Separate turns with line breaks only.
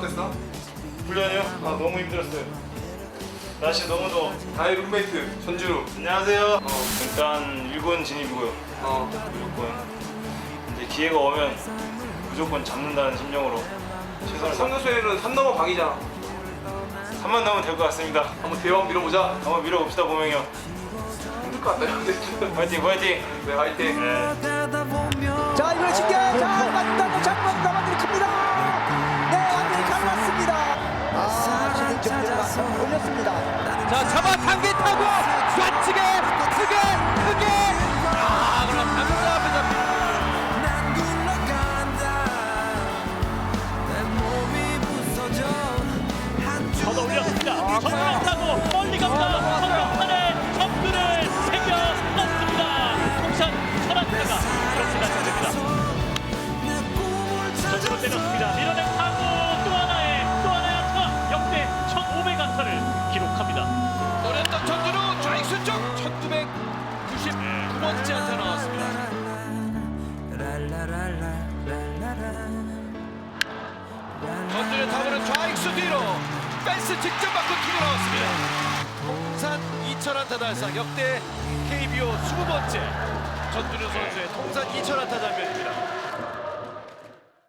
어땠어?
훈련이요? 아 너무 힘들었어요. 날씨 너무 더워.
나의 룸메이트 전준우.
안녕하세요. 일단 일본 진입이고요. 무조건 이제 기회가 오면 무조건 잡는다는 심정으로 최선을 다.
성교수에는 산 넘어 강이잖아.
3만 나오면 될 것 같습니다.
한번 대왕 밀어보자.
한번 밀어봅시다 보명이 형.
힘들 것 같다.
화이팅 화이팅.
네, 화이팅.
네.
자 이번에 신기해 자 맞다고 장면 남아들이 큽니다. 네 완전히 갈랐습니다. 지금 정리가 올렸습니다.
자 잡아당기 타고 좌측에 크게 그럼 당구가 앞에 잡힙니다.
걷어 올렸습니다. 전면 타고 멀리 갑니다. 전면판에 점수를 새겨 넣습니다. 통산 천안타가 그렇게 달성됩니다. 전으로 때렸습니다. 밀어낸 타고 또 하나의 안타 역대 1500안타를 기록합니다.
노렸던 전준우 좌익수 쪽 1999번째 안타 나왔습니다. 전준우 타구는 좌익수 뒤로 펜스 직접 맞고 튀어 나왔습니다. 통산 2000안타 달성 역대 KBO 20번째 전준우 선수의 통산 2000안타 장면입니다.